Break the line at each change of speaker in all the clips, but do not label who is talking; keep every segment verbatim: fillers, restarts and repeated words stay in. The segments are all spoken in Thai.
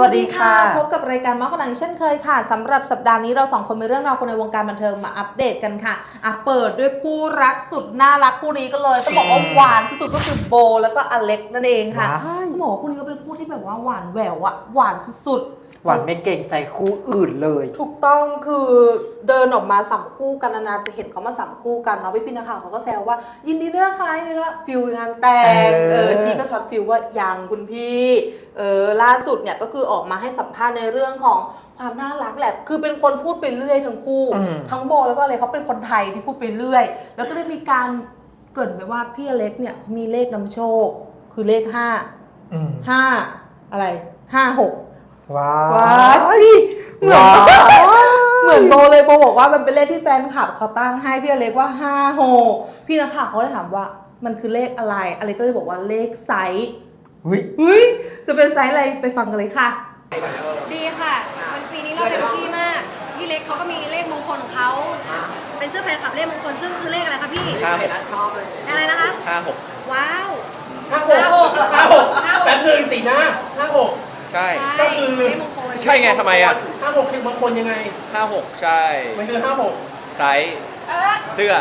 วัสดีค่ะพบกับรายการเมาส์คนดังเช่นเคยค่ะสำหรับสัปดาห์นี้เราสองคนมีเรื่องราวคนในวงการบันเทิงมาอัปเดตกันค่ะอ่ะเปิดด้วยคู่รักสุดน่ารักคู่นี้ก็เลยต้องบอกว่าหวานสุดๆก็คือโบแล้วก็อเล็กนั่นเองค่ะต้องบอกว่าคู่นี้ก็เป็นคู่ที่แบบว่าหวานแหววอะหวานสุด
หวานไม่เก่งใจคู่อื่นเลย
ถูกต้องคือเดินออกมาสัมคู่กันนานๆจะเห็นเขามาสัมคู่กันเนาะพี่พี่นักข่าวเขาก็แซวว่ายินดีด้วยค่ะยินดีด้วยฟิลงานแต่งเออชีก็ช็อตฟิลว่ายังคุณพี่เออล่าสุดเนี่ยก็คือออกมาให้สัมภาษณ์ในเรื่องของความน่ารักแหละคือเป็นคนพูดไปเรื่อยทั้งคู่ทั้งโบแล้วก็อะไรเขาเป็นคนไทยที่พูดไปเรื่อยแล้วก็ได้มีการเกริ่นไปว่าพี่อเล็กเนี่ยเขามีเลขนำโชคคือเลขห้าห้าอะไรห้าหก
ว้า
ว้าวดิเหมือนเหมือนโบเลยโบบอกว่ามันเป็นเลขที่แฟนคลับเขาตั้งให้พี่อเล็กว่าห้าหกพี่นักข่าวเขาเลยถามว่ามันคือเลขอะไรอเล็กก็เลยบอกว่าเลขไซส์เฮ้ยเฮ้ยจะเป็นไซส์อะไรไปฟังกันเลยค่ะ
ดีค่ะมันปีนี้เราเต็มที่มากพี่เล็กเขาก็มีเลขมงคลของเขาเป็นเสื้อแฟนคลับเลขมงคลซึ่งคือเลขอะไรคะพี่
ห้าหกชอบเลย
อะไรนะคะ
ห้าหก
ว้าว
ห้าหกห้าหกแป๊บนึงสินะห้าหกใช่ก็คือใช่ไงทำไมอ่ะ
ห้าหกคือบางคนยังไง
ห้าหกใช่
มันคือห้าหก
ไซส์เสื้อ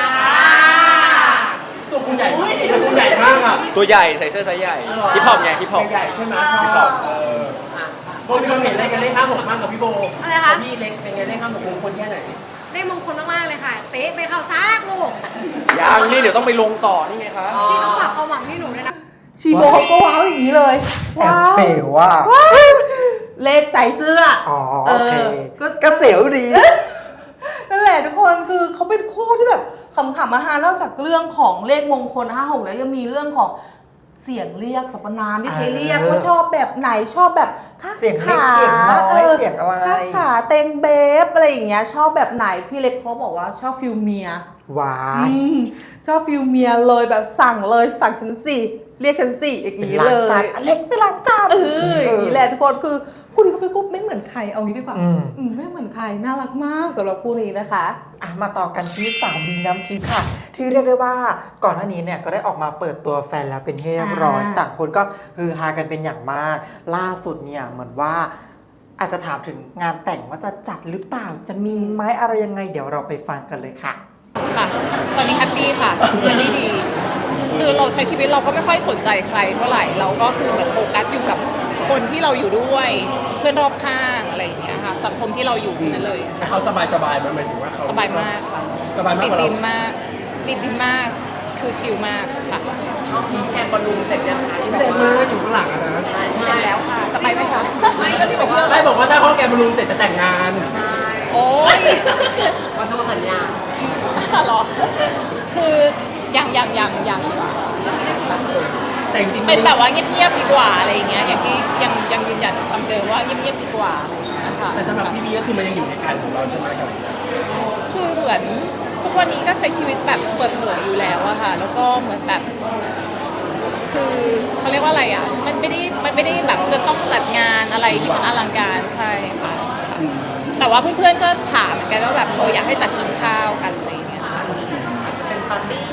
ตัวคุณใหญ่ตัวคุณใหญ่มากอ่ะ
ตัวใหญ่ใส่เสื้อไซส์ใหญ่ฮิปฮอปไงฮิปฮอป
ใหญ่ใช่ไหมฮิปฮอปโบมีความเห็นอะไรกันเลขห้าหกมากกับพี่โบ
อะไรคะ
พี่เล็กเป็นไงเลขห้าหกมงคลแค่ไหน
เลขมงคลมากๆเลยค่ะเป๊ะไปเข้าซากลูก
ยังนี่เดี๋ยวต้องไปลงต่อนี่ไงคะ
พี่ต้องฝากความหวังให้หนูด้วยนะ
ชีโบก็ว้าวอย่างนี้เลย
ว้าวเสียวว่า
เลขใส่เสื้อ
อ๋อโอเคก็เสียวดี
นั่นแหละทุกคนคือเขาเป็นคู่ที่แบบขำๆมาฮานอกจากเรื่องของเลขมงคลห้าหกแล้วยังมีเรื่องของเสียงเรียกสรรพนามที่ใช้เรียกว่าชอบแบบไหนชอบแบบ
ข้าขาเสียงน้อยเสียงอะไร
ข้าขาเต็งเบฟอะไรอย่างเงี้ยชอบแบบไหนพี่เล็กเขาบอกว่าชอบฟิลเมีย
ว้า
ชอบฟิลเมียเลยแบบสั่งเลยสั่งฉันสิเรียกฉันสิอย่างนี้เลย
อเล็กไม่ล้างจาน
เอออย่างนี้แหละทุกคนคือคู่นี้เขาเป็นคู่ไม่เหมือนใครเอางี้ดีกว่าไม่เหมือนใครน่ารักมากสำหรับคู่นี้นะคะ
อ่ะมาต่อกันที่สาวบีน้ำทิพย์ค่ะที่เรียกได้ว่าก่อนหน้านี้เนี่ยก็ได้ออกมาเปิดตัวแฟนแล้วเป็นที่เรียบร้อยต่างคนก็ฮือฮากันเป็นอย่างมากล่าสุดเนี่ยเหมือนว่าอาจจะถามถึงงานแต่งว่าจะจัดหรือเปล่าจะมีไหมอะไรยังไงเดี๋ยวเราไปฟังกันเลยค่ะ
ค่ะตอนนี้แฮปปี้ค่ะแฮปปี้ดีคือเราใช้ชีวิตเราก็ไม่ค่อยสนใจใครเท่าไหร่เราก็คือแบบโฟกัสอยู่กับคนที่เราอยู่ด้วยเพื่อนรอบข้างอะไรอย่างเงี้ยค่ะสังคมที่เราอยู่นั่นเลย
เขาสบายสบายมันหมายถึงว่าเขา
สบายมากค่ะ
สบายมาก
ติดดินมากติดดินมากคือชิลมากค่ะ
แอนบอลลูนเสร็จยังคะที่บอ
กว่าอยู่ข้างหลังนะ
เสร็จแล้วค่ะจะไปไหมคะ
ไม่ก็ที่ไปเที่ยว
ได้บอกว่าถ้าห้องแกนบอลลูนเสร็จจะแต่งงาน
โอ้ย
วันต้องสัญญา
หรอคือยังยังยังยังดีกว่า
แต่จริง
เป็นแบบว่าเงียบๆดีกว่าอะไรอย่างเงี้ยอย่างที่ยังยังยืนยันคำเดิมว่าเงียบๆดีกว่าอะไรอย่างเงี้ยค่ะ
แต่สำหรับพี่บีก็คือมันยังอยู่ในการของเราใช่ไหมครับ
คือเหมือนทุกวันนี้ก็ใช้ชีวิตแบบเปิดเผยอยู่แล้วอะค่ะแล้วก็เหมือนแบบคือเขาเรียกว่าอะไรอะมันไม่ได้มันไม่ได้แบบจะต้องจัดงานอะไรที่มันอลังการใช่ค่ะแต่ว่าเพื่อนๆก็ถามเหมือนกันว่าแบบเอออยากให้จัดกินข้าวกันอะไรอย่างเงี้ย
อาจจะเป็นปาร์ตี้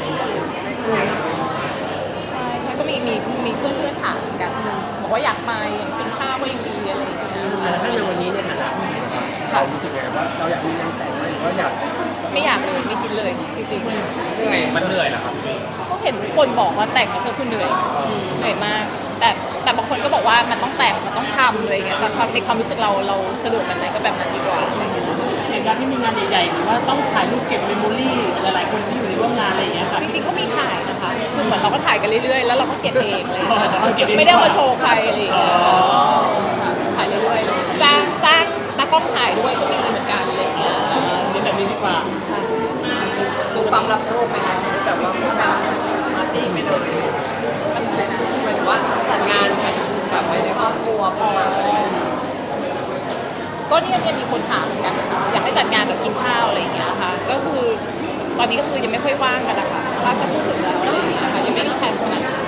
ใช่ใช่ก็มีมีมีเพื่อนๆถามเหมือนกันบอกว่าอยากไปกินข้าวก็ยังดีอะไรอย่างเงี้ย
แล้วถ้าในวันนี้ในฐานะผู้หญิงเรารู้สึกไงว่าเราอยากมีงานแต่งไหมหรือว่าอยาก
ไม่อยากเลยไม่คิดเลยจริง
ๆเหนื่อยมันเหนื่อยเหรอครับ
ก็เห็นคนบอกว่าแต่งแล้วเธอคุณเหนื่อยเหนื่อยมากแต่แต่บางคนก็บอกว่ามันต้องแต่งมันต้องทำอะไรเงี้ยแต่ในความรู้สึกเราเราสะดวกแบบไหนก็แบบนั้นดีกว่า
อย่างการที่มีงานใหญ่ๆหรือว่าต้องถ่ายรูปเก็บเมมโมรี่หลายๆคนที่อยู่ในร่วมงานอะไรอย่างเงี้ยค่ะ
จริงๆก็มีถ่ายนะคะคือเหมือนเราก็ถ่ายกันเรื่อยๆแล้วเราก็เก็บเองเลยไม่ได้มาโชว์ใครอะไรอย่างเงี้ยถ่ายเรื่อยๆจ้างจ้างตากล้องถ่ายด้วยก็มีเหมือนกันอะไรอย่างเงี้ย
เป็นแบบนี้ดีกว่า
ใช่
ดูความรับโชคไหมคะแบบว่าปาร์ตี้ไปเลยมันอะไรนะหมายถึงว่าจัดงานแบบไปในครอบครัวพ่อมา
ก็เนี่ยเนี่ยมีคนถามเหมือนกันอยากให้จัดงานแบบกินข้าวอะไรอย่างเงี้ยค่ะก็คือตอนนี้ก็คือยังไม่ค่อยว่างกันนะคะถ้าพูดถึงแล้วอะไรอย่างเงี้ยค่ะยังไม่มีแผนขนาดนั้น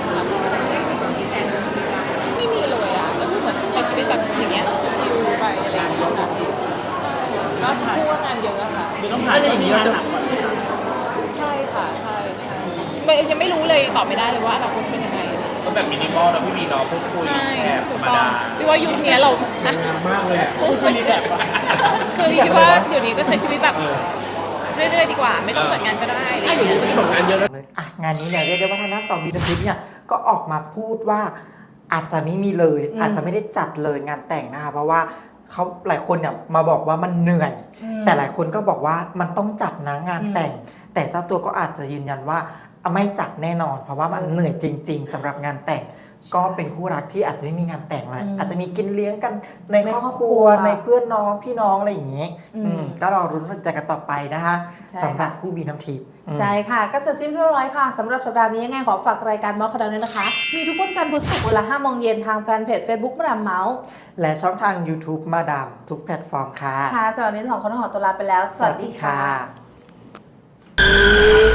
ไม่มีเลยอ่ะก็คือเหมือนใช้ชีวิตแบบอย่างเงี้ยชิลๆไปอะไรอย่างเงี้ยค่ะใช่ก็พูดว่างานเยอะค่ะ
คือต้องผ่านอย่างนี้เราจะหนักกว่าไหมคะ
ใช่ค่ะใช่ใช่ยังไม่รู้เลยตอบไม่ได้เลยว่าอนาคตเป็นยังไง
ก็แบบมินิมอลนะพี่บีน้องพูดคุย
ใช่
แอบธ
ถู
ร
ก
รม
ต้อง
ดา
พี่ว่ายุคนี้เรา
มากเลยอ่ะคุยรีแคปอ่ะ
คือพี่คิดว่าเดี๋ยวนี้ก็ใช้ชีวิตแบบเรื่อยๆดีกว่า ไม่ต้องจัดงานก็ได้อะไรอย่างเงี้ย
ที่บอกงานเยอะแล้ว
เลยอ่ะงานนี้เนี่ยเรียกได้ว่าทางด้านสองบีน้ำทิพย์เนี่ยก็ออกมาพูดว่าอาจจะไม่มีเลย
อืม
อาจจะไม่ได้จัดเลยงานแต่งนะคะเพราะว่าเขาหลายคนเนี่ยมาบอกว่ามันเหนื่อย แต่หลายคนก็บอกว่ามันต้องจัดนะงานแต่ง แต่เจ้าตัวก็อาจจะยืนยันว่าไม่จัดแน่นอน เพราะว่ามันเหนื่อยจริง ๆสำหรับงานแต่ง ก็เป็นคู่รักที่อาจจะไม่มีงานแต่งอะไร
อืม
อาจจะมีกินเลี้ยงกันใน
ใน
ครอบ
ครอบ
ค
ครั
รัว
ว
ในเพื่อนน้องพี่น้องอะไรอย่างเงี้ย
อืม
อืมก็รอรุ้นใจกันต่อไปนะคะ
ใช่
สำหรับ
ค่ะ
คู่บีน้ำทิพย์อืม
ใช่ค่ะ ก็เสร็จสิ้นเรียบร้อยค่ะสำหรับสัปดาห์นี้ยังไงขอฝากรายการเมาส์ข่าวดังด้วยนะคะ มีทุกวันจันทร์พุธศุกร์เวลาห้าโมงเย็นทางแฟนเพจ Facebook มาดามเมาส์
และช่องทาง YouTube มาดามทุกแพลตฟอร์มค่ะ
ค่ะสำหรับวันนี้สองคนต้องขอตัวลาไปแล้ว สวัสดีค่ะ
สวัสดีค่ะ